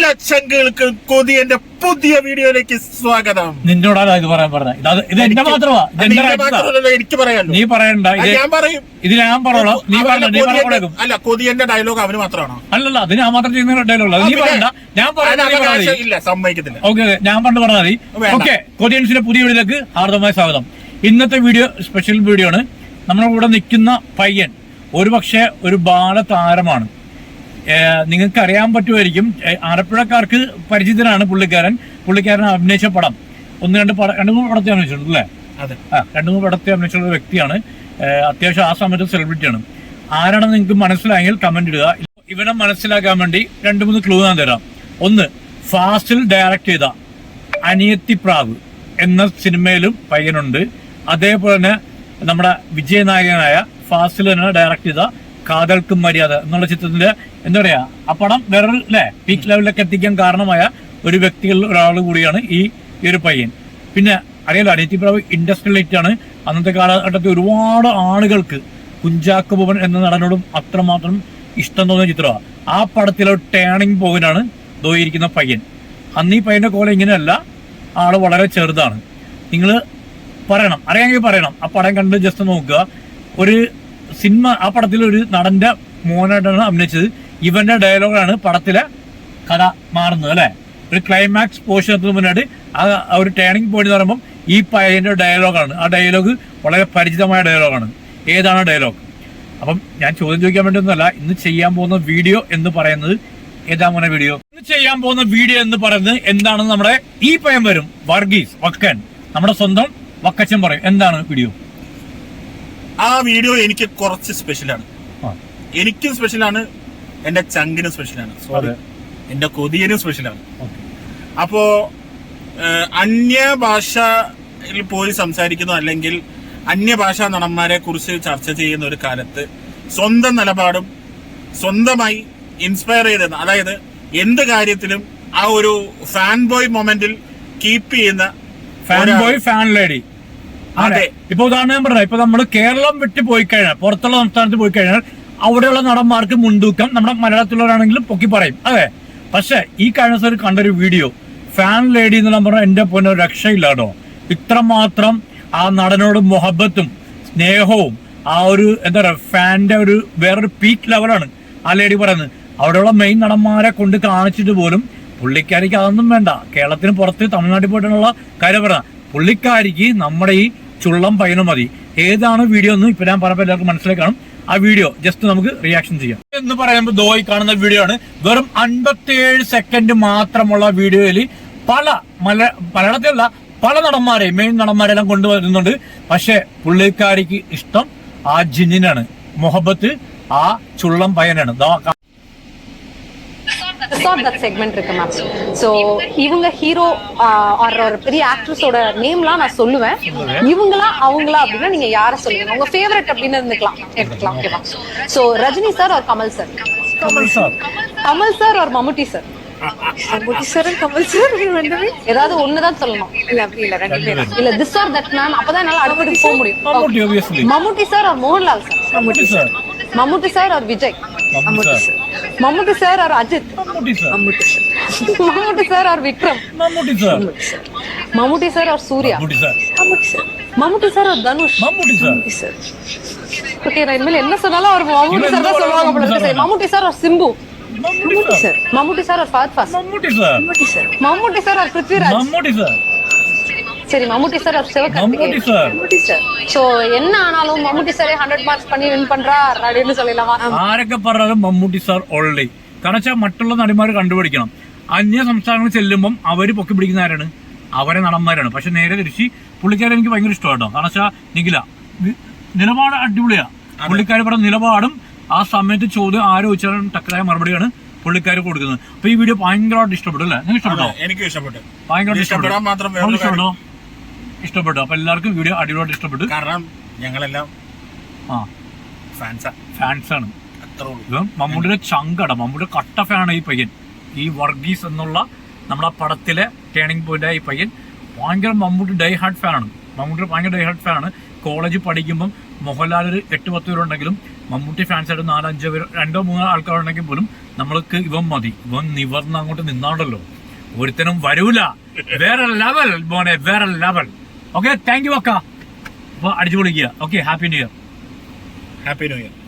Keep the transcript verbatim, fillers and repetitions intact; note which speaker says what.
Speaker 1: എല്ലാ ചങ്കുകൾക്ക് കൊതിയന്റെ പുതിയ വീഡിയോയിലേക്ക് സ്വാഗതം.
Speaker 2: നിന്നോടാണ് ഇത് പറയാൻ പറഞ്ഞത്. ഇത് എന്റെ മാത്രമാ,
Speaker 1: എനിക്ക് പറയാലോ.
Speaker 2: നീ പറയണ്ട,
Speaker 1: ഞാൻ പറയും.
Speaker 2: ഇത് ഞാൻ പറയണോ? നീ പറയണ്ട.
Speaker 1: അല്ല, കൊതിയന്റെ ഡയലോഗ് അവന് മാത്രമാണോ?
Speaker 2: അല്ലല്ല, അത് ഞാൻ മാത്രം ചെയ്യുന്ന ഡയലോഗ്. നീ പറയണ്ട, ഞാൻ
Speaker 1: ഇല്ല, സമ്മതിക്കത്തില്ല.
Speaker 2: ഓക്കെ, ഞാൻ പണ്ട് പറഞ്ഞാൽ മതി. ഓക്കെ, കൊതിയൻസിന്റെ പുതിയ വീഡിയോയിലേക്ക് ഹാർദമായ സ്വാഗതം. ഇന്നത്തെ വീഡിയോ സ്പെഷ്യൽ വീഡിയോ ആണ്. നമ്മുടെ കൂടെ നിൽക്കുന്ന പയ്യൻ ഒരുപക്ഷെ ഒരു ബാലതാരമാണ്. നിങ്ങൾക്ക് അറിയാൻ പറ്റുമായിരിക്കും, ആലപ്പുഴക്കാർക്ക് പരിചിതനാണ് പുള്ളിക്കാരൻ. പുള്ളിക്കാരൻ അഭിനയിച്ച പടം ഒന്ന് രണ്ട് പടം രണ്ടു മൂന്ന് പടത്തെ അഭിനയിച്ചിട്ടുണ്ട് അല്ലേ? ആ, രണ്ടു മൂന്ന് പടത്തെ അഭിനയിച്ചുള്ള വ്യക്തിയാണ്. അത്യാവശ്യം ആ സമയത്ത് സെലിബ്രിറ്റിയാണ്. ആരാണെന്ന് നിങ്ങൾക്ക് മനസ്സിലായെങ്കിൽ കമന്റ് ഇടുക. ഇവനെ മനസ്സിലാക്കാൻ വേണ്ടി രണ്ട് മൂന്ന് ക്ലൂ ഞാൻ തരാം. ഒന്ന്, ഫാസ്റ്റിൽ ഡയറക്ട് ചെയ്ത അനിയത്തിപ്രാവ് എന്ന സിനിമയിലും പയ്യനുണ്ട്. അതേപോലെ തന്നെ നമ്മുടെ വിജയനായകനായ ഫാസ്റ്റിൽ തന്നെ ഡയറക്ട് ചെയ്ത കാതൽക്കും മര്യാദ എന്നുള്ള ചിത്രത്തിന്റെ എന്താ പറയാ, ആ പടം വേറെ അല്ലെ പീക്ക് ലെവലിലേക്ക് എത്തിക്കാൻ കാരണമായ ഒരു വ്യക്തികളിൽ ഒരാൾ കൂടിയാണ് ഈ ഒരു പയ്യൻ. പിന്നെ അറിയാലോ, അനിയത്തിപ്രാവ് ഇൻഡസ്ട്രിയൽ ഹിറ്റ് ആണ്. അന്നത്തെ കാലഘട്ടത്തിൽ ഒരുപാട് ആളുകൾക്ക് കുഞ്ചാക്കോ ബോബൻ എന്ന നടനോടും അത്രമാത്രം ഇഷ്ടം തോന്നിയ ചിത്രമാണ്. ആ പടത്തിലെ ടേണിംഗ് പോയിന്റാണ് ദോയിരിക്കുന്ന പയ്യൻ. അന്ന് ഈ പയ്യന്റെ കോലം ഇങ്ങനെയല്ല, ആള് വളരെ ചെറുതാണ്. നിങ്ങൾ പറയണം, അറിയാമെങ്കിൽ പറയണം. ആ പടം കണ്ട് ജസ്റ്റ് നോക്കുക. ഒരു സിനിമ, ആ പടത്തിൽ ഒരു നടന്റെ മോനായിട്ടാണ് അഭിനയിച്ചത്. ഇവന്റെ ഡയലോഗാണ് പടത്തിലെ കഥ മാറുന്നത് അല്ലെ. ഒരു ക്ലൈമാക്സ് പോർഷൻ എത്തുന്ന മുന്നായിട്ട് ആ ഒരു ടേണിംഗ് പോയിന്റ് എന്ന് പറയുമ്പോൾ ഈ പയ്യന്റെ ഡയലോഗാണ്. ആ ഡയലോഗ് വളരെ പരിചിതമായ ഡയലോഗാണ്. ഏതാണ് ഡയലോഗ്? അപ്പം ഞാൻ ചോദ്യം ചോദിക്കാൻ വേണ്ടി ഒന്നുമല്ല, ഇന്ന് ചെയ്യാൻ പോകുന്ന വീഡിയോ എന്ന് പറയുന്നത് ഏതാ മോനെ വീഡിയോ? ഇന്ന് ചെയ്യാൻ പോകുന്ന വീഡിയോ എന്ന് പറയുന്നത് എന്താണെന്ന് നമ്മുടെ ഈ പയ്യൻ വരും, വർഗീസ് വക്കൻ, നമ്മുടെ സ്വന്തം വക്കച്ചൻ പറയും. എന്താണ് വീഡിയോ?
Speaker 1: ആ വീഡിയോ എനിക്ക് കുറച്ച് സ്പെഷ്യലാണ്. എനിക്കും സ്പെഷ്യലാണ്, എന്റെ ചങ്കിനും സ്പെഷ്യലാണ്, സോറി എന്റെ കൊതിയനും സ്പെഷ്യലാണ്. അപ്പോ അന്യഭാഷയിൽ പോയി സംസാരിക്കുന്നു, അല്ലെങ്കിൽ അന്യഭാഷാ നടന്മാരെ കുറിച്ച് ചർച്ച ചെയ്യുന്ന ഒരു കാലത്ത് സ്വന്തം നിലപാടും സ്വന്തമായി ഇൻസ്പയർ ചെയ്ത, അതായത് എന്ത് കാര്യത്തിലും ആ ഒരു ഫാൻ ബോയ് മൊമെന്റിൽ കീപ്പ് ചെയ്യുന്ന
Speaker 2: ഫാൻ ബോയ് ഫാൻ ലേഡി. അതെ, ഇപ്പൊ ഉദാഹരണം പറഞ്ഞ, ഇപ്പൊ നമ്മൾ കേരളം വിട്ട് പോയി കഴിഞ്ഞാൽ, പുറത്തുള്ള സംസ്ഥാനത്ത് പോയി കഴിഞ്ഞാൽ അവിടെയുള്ള നടന്മാർക്ക് മുൻതൂക്കം നമ്മുടെ മലയാളത്തിലുള്ളവരാണെങ്കിലും പൊക്കി പറയും. അതെ, പക്ഷെ ഈ കഴിഞ്ഞ ദിവസം കണ്ടൊരു വീഡിയോ, ഫാൻ ലേഡി എന്നുള്ള പറഞ്ഞാൽ എന്റെ പൊന്നെ രക്ഷയില്ല കേട്ടോ. ഇത്രമാത്രം ആ നടനോട് മൊഹബത്തും സ്നേഹവും ആ ഒരു എന്താ പറയാ ഫാന്റെ ഒരു വേറൊരു പീക്ക് ലെവലാണ് ആ ലേഡി പറയുന്നത്. അവിടെയുള്ള മെയിൻ നടന്മാരെ കൊണ്ട് കാണിച്ചിട്ട് പോലും പുള്ളിക്കാരിക്ക് അതൊന്നും വേണ്ട. കേരളത്തിന് പുറത്ത് തമിഴ്നാട്ടിൽ പോയിട്ടുള്ള കാര്യം പറയാം, പുള്ളിക്കാരിക്ക് നമ്മുടെ ഈ ചുള്ളം പയ്യനും മതി. ഏതാണ് വീഡിയോ എന്ന് ഇപ്പൊ ഞാൻ പറഞ്ഞപ്പോൾ എല്ലാവർക്കും മനസ്സിലായി കാണും. ആ വീഡിയോ ജസ്റ്റ് നമുക്ക് റിയാക്ഷൻ ചെയ്യാം. എന്ന് പറയുമ്പോൾ ദോയി കാണുന്ന വീഡിയോ ആണ്. വെറും അൻപത്തിയേഴ് സെക്കൻഡ് മാത്രമുള്ള വീഡിയോയിൽ പല മല മലയാളത്തിലുള്ള പല നടന്മാരെ മെയിൻ നടന്മാരെല്ലാം കൊണ്ടുവരുന്നുണ്ട്. പക്ഷെ പുള്ളിക്കാരിക്ക് ഇഷ്ടം ആ ജിന്നിനാണ്, മൊഹബത്ത് ആ ചുള്ളം പയ്യനാണ്.
Speaker 3: ரிசார்ட் தட் செக்மெண்ட் இருக்கு மேம். ஸோ இவங்க ஹீரோ ஆர் ஒரு பெரிய ஆக்ட்ரஸோட நேம்லாம் நான் சொல்லுவேன். இவங்களா அவங்களா அப்படின்னா நீங்க யாரை சொல்லுவீங்க? உங்க ஃபேவரட் அப்படின்னு இருந்துக்கலாம், எடுத்துக்கலாம். ஓகேவா? So Rajini sir or Kamal sir?
Speaker 2: Kamal sir.
Speaker 3: Kamal sir or Mammootty sir? Mammootty sir Kamal sir ரெண்டுமே ஏதாவது ஒண்ணுதான் சொல்லணும். இல்ல அப்படி இல்ல, ரெண்டு பேரும் இல்ல. திஸ் ஆர் தட் மேம், அப்பதான் என்னால அடுத்து போக முடியும்.
Speaker 2: Mammootty obviously.
Speaker 3: Mammootty sir or Mohanlal sir?
Speaker 2: Mammootty sir.
Speaker 3: Mammootty sir or Vijay?
Speaker 2: Mammootty sir.
Speaker 3: Mammootty sir or Ajith?
Speaker 2: Mammootty sir.
Speaker 3: Mammootty sir. Mammootty sir or Vikram?
Speaker 2: Mammootty sir.
Speaker 3: Mammootty sir or Suriya?
Speaker 2: Mammootty sir.
Speaker 3: Mammootty sir. Mammootty sir or Dhanush?
Speaker 2: Mammootty sir.
Speaker 3: Mammootty sir. Okay, நான் இனிமேல் என்ன சொன்னாலும் அவர் மம்முட்டி சார் தான் சொல்லுவாங்க போல இருக்கு. Mammootty sir or Simbu? Mammootty sir. Mammootty sir or Fahadh Faasil?
Speaker 2: Mammootty sir.
Speaker 3: Mammootty sir. Mammootty sir or Prithviraj?
Speaker 2: Mammootty sir.
Speaker 3: சரி, Mammootty sir or Sivakarthikeyan?
Speaker 2: Mammootty sir.
Speaker 3: Mammootty sir. So என்ன ஆனாலும் மம்முட்டி சாரே ஹண்ட்ரட் மார்க்ஸ் பண்ணி வின் பண்றார் அப்படின்னு சொல்லலாமா?
Speaker 2: ആരൊക്കെ പറഞ്ഞാലും മമ്മൂട്ടി സാർ ഓൾറെഡി. കാരണം വെച്ചാൽ മറ്റുള്ള നടിമാർ കണ്ടുപിടിക്കണം. അന്യ സംസ്ഥാനങ്ങളിൽ ചെല്ലുമ്പം അവര് പൊക്കി പിടിക്കുന്ന ആരാണ്? അവരെ നടന്മാരാണ്. പക്ഷെ നേരെ തിരിച്ച് പുള്ളിക്കാരെ എനിക്ക് ഭയങ്കര ഇഷ്ടമാട്ടോ. കാരണം വെച്ചാൽ നിഖില നിലപാട് അടിപൊളിയാ. പുള്ളിക്കാർ പറഞ്ഞ നിലപാടും ആ സമയത്ത് ചോദ്യം ആരോ ചോദിച്ചാലും ടക്കരായ മറുപടിയാണ് പുള്ളിക്കാർ കൊടുക്കുന്നത്. അപ്പൊ ഈ വീഡിയോ ഭയങ്കരമായിട്ട് ഇഷ്ടപ്പെട്ടു അല്ലേ? നിങ്ങൾക്ക് ഇഷ്ടപ്പെട്ടോ?
Speaker 1: എനിക്ക് ഇഷ്ടപ്പെട്ടു,
Speaker 2: ഭയങ്കരമായിട്ട് ഇഷ്ടപ്പെട്ടു. ഇഷ്ടപ്പെട്ടോ? ഇഷ്ടപ്പെട്ടു. അപ്പൊ എല്ലാവർക്കും വീഡിയോ അടിപൊളിയായിട്ട് ഇഷ്ടപ്പെട്ടു.
Speaker 1: കാരണം ഞങ്ങളെല്ലാം
Speaker 2: ആ
Speaker 1: ഫാൻസാ
Speaker 2: ഫാൻസാണ്. മമ്മൂട്ടിയുടെ ചങ്കട, മമ്മൂട്ടിയുടെ കട്ട ഫാനാണ് ഈ പയ്യൻ. ഈ വർഗീസ് എന്നുള്ള നമ്മുടെ പടത്തിലെ ടേണിംഗ് പോയിന്റ് ഈ പയ്യൻ ഭയങ്കര മമ്മൂട്ടി ഡൈ ഹാർഡ് ഫാനാണ്. മമ്മൂട്ടിയുടെ ഭയങ്കര ഡൈ ഹാർഡ് ഫാനാണ്. കോളേജിൽ പഠിക്കുമ്പം മോഹൻലാൽ ഒരു എട്ട് പത്ത് പേരുണ്ടെങ്കിലും മമ്മൂട്ടി ഫാൻസ് ആയിട്ട് നാലഞ്ചോ പേര് രണ്ടോ മൂന്നോ ആൾക്കാരുണ്ടെങ്കിൽ പോലും നമ്മൾക്ക് ഇവൻ മതി. ഇവൻ നിവർന്ന് അങ്ങോട്ട് നിന്നാണ്ടല്ലോ ഒരുത്തനും വരൂല. വേറെ ലെവൽ മോനെ, വേറെ ലെവൽ. ഓക്കെ, താങ്ക് യു അക്ക. അപ്പൊ അടിച്ചു പൊളിക്കുക. Okay, happy new year.
Speaker 1: Happy new year.